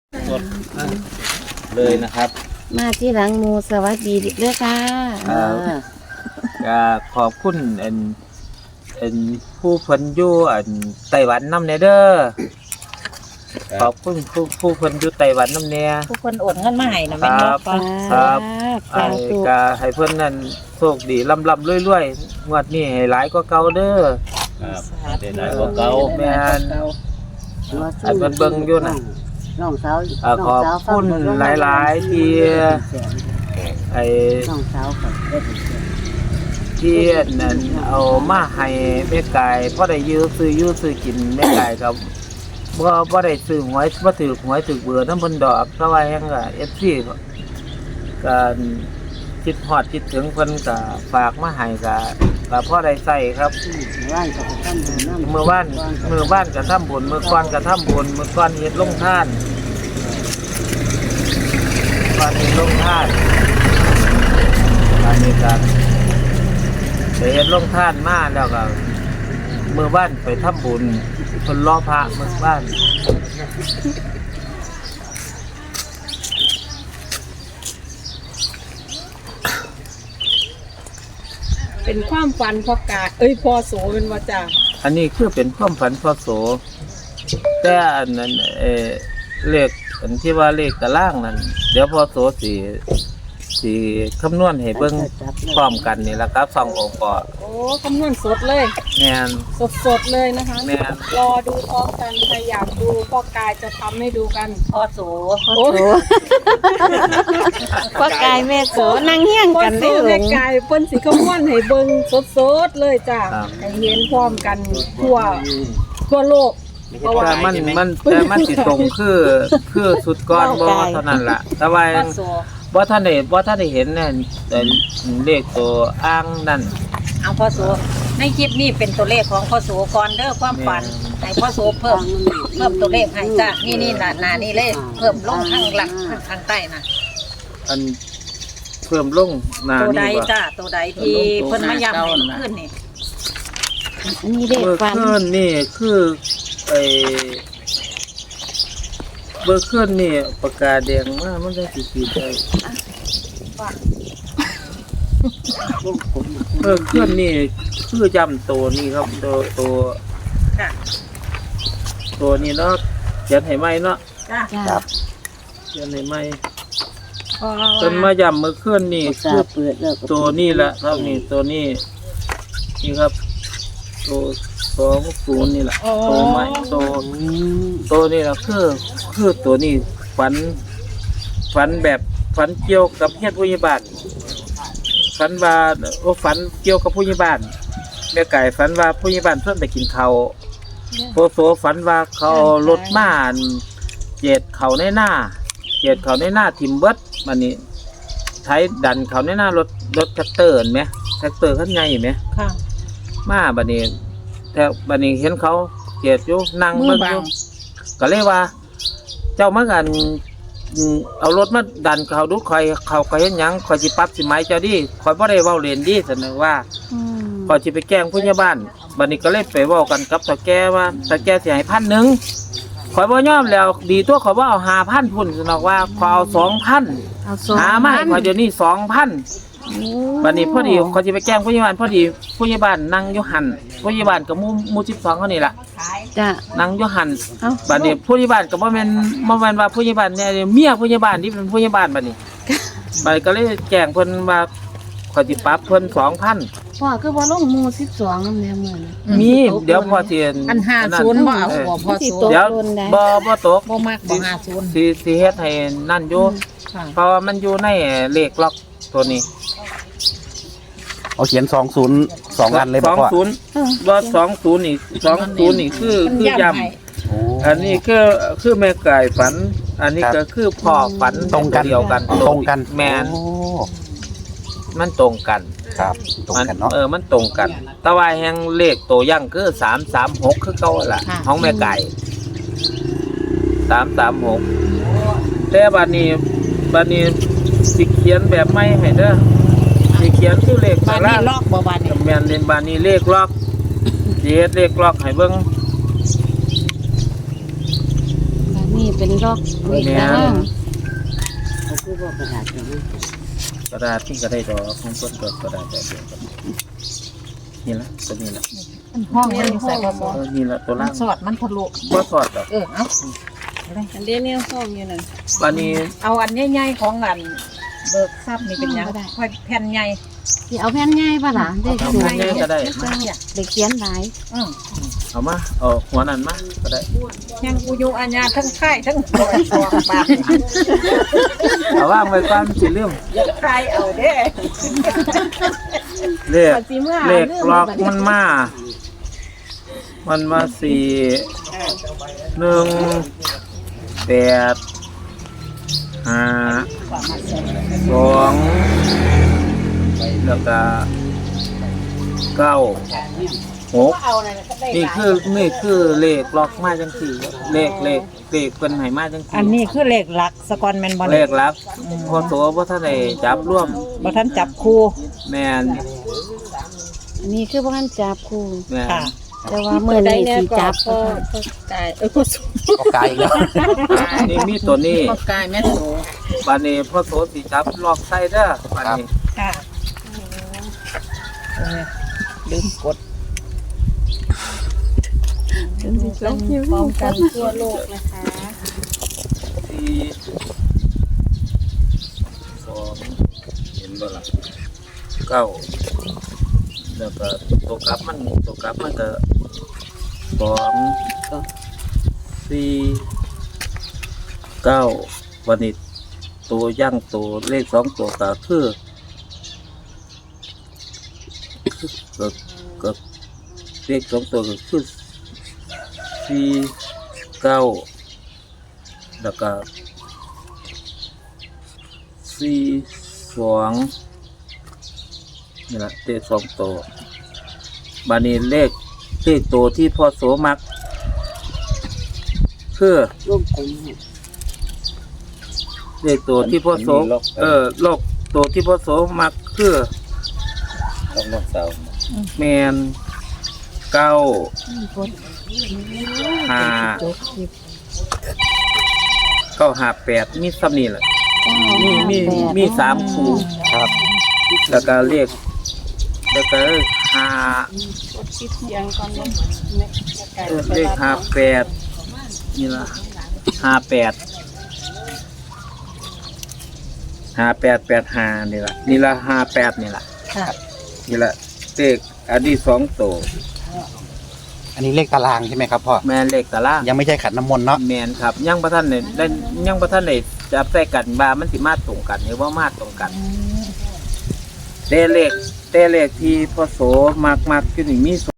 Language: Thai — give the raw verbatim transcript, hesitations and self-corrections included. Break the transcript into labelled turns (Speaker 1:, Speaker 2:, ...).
Speaker 1: สดเลยนะครับ
Speaker 2: มาที่หลังหมูสวัสดีเด้อค่ะ
Speaker 1: ก็ขอบคุณอันอันผู้เพิ่นอยู่อันไต้หวันนำแน่เด้อขอบคุณผู้ผู้เพิ่นอยู่ไต้หวันนำแน่
Speaker 3: ผู้คนโอนเงินมาให้นะแม่น
Speaker 1: ครับครับไอ้ก็ให้เพิ่นนั่นโชคดีร่ำๆรวยๆงวดนี้ให้หลายกว่าเก่าเด้อ
Speaker 4: ครับได้หลายกว่าเก่า
Speaker 1: แม่นอันเพิ่นเบิ่งอยู่น่ะ
Speaker 5: น้องสาว
Speaker 1: ขอบคุณหลายๆที่ไอ้
Speaker 5: น้องสาวก็ได้
Speaker 1: ที่นั่นเอามาให้แม่กายพอได้ยื้อซื้อยื้อซื้อกินแม่กายก็บ่บ่ได้ซื้อหวยบ่ถือหวยถือเบื่อนำเพิ่นดอกเพราะว่าหยังก็ เอฟ ซี ก็คิดฮอดคิดถึงเพิ่นก็ฝากมาให้ก็ก็พอได้ใช้ครับเมื่อวานเมื่อวานก็ทำบุญเมื่อก่อนก็ทำบุญเมื่อก่อนเฮ็ดลงทานก่อนเฮ็ดลงทานอันนี้ก็ไปเฮ็ดลงทานมาแล้วก็เมื่อวานไปทำบุญเพิ่นรอพระเมื่อวาน
Speaker 3: เป็นความฝันพ่อกาเอ้ยพ่อโสเป็นว่าจ้า
Speaker 1: อันนี้คือเป็นความฝันพ่อโสแต่อันนั้นเออเลขอันที่ว่าเลขตารางนั้นเดี๋ยวพ่อโสสิสิคำนวณให้เบิ่งพร้อมกันนี่แหละครับสององค์ประกอบ
Speaker 3: โอ้คำนวณสดเลย
Speaker 1: แม่น
Speaker 3: สดๆเลยนะคะ
Speaker 1: แม่น
Speaker 3: รอดูพร้อมกันใครอยากดูพ่อกายจะทำให้ดูกัน
Speaker 5: พ่อโส
Speaker 2: พ่อโสพ่อกายแม่โสนั่งเฮี้ยงกันได้
Speaker 3: แม่กายเพิ่นสิคำนวณให้เบิ่งสดๆเลยจ้าให้เห็นพร้อมกันทั่วทั่วโลก
Speaker 1: แต่มันมันแต่มันสิตรงคือคือสุดก้อนบ่เท่านั้นล่ะแต่ว่าบ่ท่านได้บ่ท่านได้เห็นนั่นแต่เลขตัวอ้างนั่น
Speaker 3: เอาพ่อโสในคลิปนี้เป็นตัวเลขของพ่อโสก่อนเด้อความฝันให้พ่อโสเพิ่มเพิ่มตัวเลขให้จ้ะนี่นี่น่ะน่ะนี่เลขเพิ่มลงข้างหลังข้างใต้น่ะ
Speaker 1: อันเพิ่มลงหน้า
Speaker 3: นี่ตัวใด
Speaker 1: บ่
Speaker 3: จ้ะตัวใดที่เพิ่นมาย้ำให้ขึ้นนี่
Speaker 2: อันนี้เลขฝัน
Speaker 1: ขึ้นนี่คือไอ้เบอร์ขึ้นนี่ปากกาแดงมามันได้สิขีดได้เบอร์ขึ้นนี่คือจำตัวนี่ครับตัวตัวตัวนี้เนาะเขียนให้ไหมเนาะ
Speaker 2: ครับ
Speaker 1: เขียนให้ไหมจนมาย้ำเมื่อคืนนี่คือตัวนี้แหละครับนี่ตัวนี้นี่ครับตัวสองศูนย์นี่แหละตัวใหม่ตัวตัวนี้แหละคือคือตัวนี้ฝันฝันแบบฝันเกี่ยวกับเฮ็ดผู้ใหญ่บ้านฝันว่าโอ้ฝันเกี่ยวกับผู้ใหญ่บ้านแม่ไก่ฝันว่าผู้ใหญ่บ้านเพิ่นไปกินข้าวโพโสฝันว่าเขารถม้าเจ็ดเขาในหน้าเจ็ดเขาในหน้าทิมเบิดมันนี่ใช้ดันเขาในหน้ารถรถแท็กเตอร์เห็นไหมแท็กเตอร์ขั้นใหญ่เห็นไหม
Speaker 3: ค่ะ
Speaker 1: มาบัดนี้แต่บัดนี้เห็นเขาเจ็ดอยู่นั่งเบิ่งอยู่ก็เลยว่าเจ้ามากันเอารถมาดันเขาดูคอยเขาก็เห็นหยังคอยสิปรับสิไม้เจ้าดิคอยบ่ได้เว้าเล่นดิเสนอว่าคอยสิไปแกล้งผู้ใหญ่บ้านบัดนี้ก็เลยไปเว้ากันกับตาแก่ว่าตาแก่สิให้พันหนึ่งคอยบ่ยอมแล้วดีตัวเขาว่าเอาห้าพันพุ่นสนอกว่าขอเอาสองพันหามาให้คอยเดี๋ยวนี้สองพันบัดนี้พอดีเขาจะไปแกล้งผู้ใหญ่บ้านพอดีผู้ใหญ่บ้านนั่งอยู่หันผู้ใหญ่บ้านกับมูมูสิบสองเขานี่แหละ
Speaker 2: จ้ะ
Speaker 1: นั่งอยู่หันบัดนี้ผู้ใหญ่บ้านกับว่าเป็นว่าเป็นว่าผู้ใหญ่บ้านเนี่ยเมียผู้ใหญ่บ้านที่เป็นผู้ใหญ่บ้านบัดนี้บัดก็เลยแกล้งเพิ่นว่าเขาจะปรับเพิ่นสองพัน
Speaker 2: พ่อคือว่าลงมูสิบสองนั่นแหละมื้อ
Speaker 1: มีเดี๋ยวพอเทียน
Speaker 3: อันห้าศูนย์บ่เอาบ่พอศูนย์
Speaker 1: เดี๋ยวบ่บ่ตก
Speaker 3: บ่มักบ่ห้าศูนย์
Speaker 1: สิสิเฮ็ดให้นั่นอยู่เพราะว่ามันอยู่ในเลขล็อกตัวนี้
Speaker 4: เอาเขียนสองศูนย์สองอันเลย
Speaker 1: สองศูนย์ว่าสองศูนย์นี่สองศูนย์นี่คือคือยำอันนี้คือคือแม่ไก่ฝันอันนี้ก็คือพ่อฝัน
Speaker 4: ตรงกัน
Speaker 1: เดียวกัน
Speaker 4: ตรงกัน
Speaker 1: แมนมันตรงกัน
Speaker 4: ครับตรงกันเนาะ
Speaker 1: เออมันตรงกันแต่ว่าแห่งเลขตัวยั่งคือสามสามหกคือเก่าแหละของแม่ไก่สามสามหกแต่บัดนี้บัดนี้สิเขียนแบบไม่ให้เด้อสิเขียนคือเลข
Speaker 3: บ้านนี้ล็อกบ่บ้านนี้
Speaker 1: แม่นเล่นบ้านนี้เลขล็อกสิเฮ็ดเลขล็อกให้เบิ่ง
Speaker 2: บ้านนี้เป็นล็อกเลข
Speaker 1: แม่
Speaker 2: ตาราง
Speaker 1: น
Speaker 5: เขาคือว่ากระดาษอย่างนี้
Speaker 1: กระดาษที่ก็ได้ดอกของต้นดอกกระดาษแบบเดียวกันนี่ละตัวนี้ละ
Speaker 3: ห้องมันอยู่ใส่พ่อโส
Speaker 1: เออนี่ละตัว
Speaker 3: มั
Speaker 1: ล่าน ง
Speaker 3: สอดมันทะลุ
Speaker 1: บ่ถอดดอก
Speaker 3: เออเอา
Speaker 2: อันเดียวเนี่ยห้องอยู่นั่น
Speaker 1: วันนี้
Speaker 3: เอาอันใหญ่ๆของอันเบิกทรัพย์นี่เป็นหยังค่อยแผ่นใหญ่
Speaker 2: สิเอาแผ่นใหญ่ป่ะล่ะเด็ก
Speaker 1: เอา
Speaker 2: สูง
Speaker 1: แผ่นใหญ่ก็ได้
Speaker 2: เด็กเขียนหลาย
Speaker 3: อือ
Speaker 1: เอามาเอาหัวนั้นมาก็ได้
Speaker 3: ยังกูอยู่อาญาทั้งค่ายทั้งตัวตัวปาก
Speaker 1: เอาว่างไว้ก่อนสิลืม
Speaker 3: ค่ายเอาเด้
Speaker 1: เลขเลขล็อกมันมา มันมาสี่หนึ่งแปดห้าสองแล้วก็เก้าหกนี่คือนี่คือเลขล็อกมาจังสี่เลขเลขเลขเป็นไหมาจังสี่
Speaker 3: อันนี้คือเลขหลักสกอนแมนบอล
Speaker 1: เลขลักพอตัวพ่ท่านได้จับร่วม
Speaker 3: บ่ท่านจับคู่
Speaker 1: แมน
Speaker 2: อันนี้คือบ่ทันจับครู
Speaker 1: แมน
Speaker 3: ค่ะ
Speaker 2: แต่ว่ามื้อนี้สิจับ
Speaker 3: ก็กายเออก็สู
Speaker 4: ก็ไกลอีกแล้ว
Speaker 1: นี่มีตัวนี้
Speaker 3: ก็กายแม่โส
Speaker 1: บานนี้พ่อโสสิจับล็อกไส้เด้อบานนี้
Speaker 3: ค่ะเออลืมกด
Speaker 2: ลงพร้อมกันทั่วโลกนะคะ
Speaker 1: สี่สองเห็นบ่ล่ะเก้าแล้วก็ตัวกลับมันตัวกลับมันก็สองสี่เก้าวันนี้ตัวย่างตัวเลขสองตัวก็คือก็ก็เลขสองตัวก็คือสี่เก้าแล้วก็สี่สองนี่แหละเลขสองตัวบานี้เลขเลขตัวที่พ่อโสมักคือ
Speaker 5: ร่วมกลมให้
Speaker 1: เลขตัวที่พ่อโสเออโลกตัวที่พ่อโสมักคือต้องลอกเสาแมนเก้าห้าเก้าห้าแปดมีซ้ำนี่แหละมีมีมีสามคู่ครับแล้วก็เลขแล้วก็ห้าเออเลขห้าแปดนี่ละห้าแปดห้าแปดแปดห้านี่ละนี่ละห้าแปดนี่ละ
Speaker 3: ค่ะ
Speaker 1: นี่ละเลขอันนี้สองตัว
Speaker 4: อันนี้เลขตารางใช่ไหมครับพ่อ
Speaker 1: แมนเลขตาราง
Speaker 4: ยังไม่ใช่ขันน้ำมนต์เนาะ
Speaker 1: แมนครับยังประท่านเนี่ยได้ยังประท่านเนี่ยจับใส่กันบามันสิมาตรงกันหรือว่ามาตรงกันเตเลขเตเลขที่พอโสมากมากขึ้นมี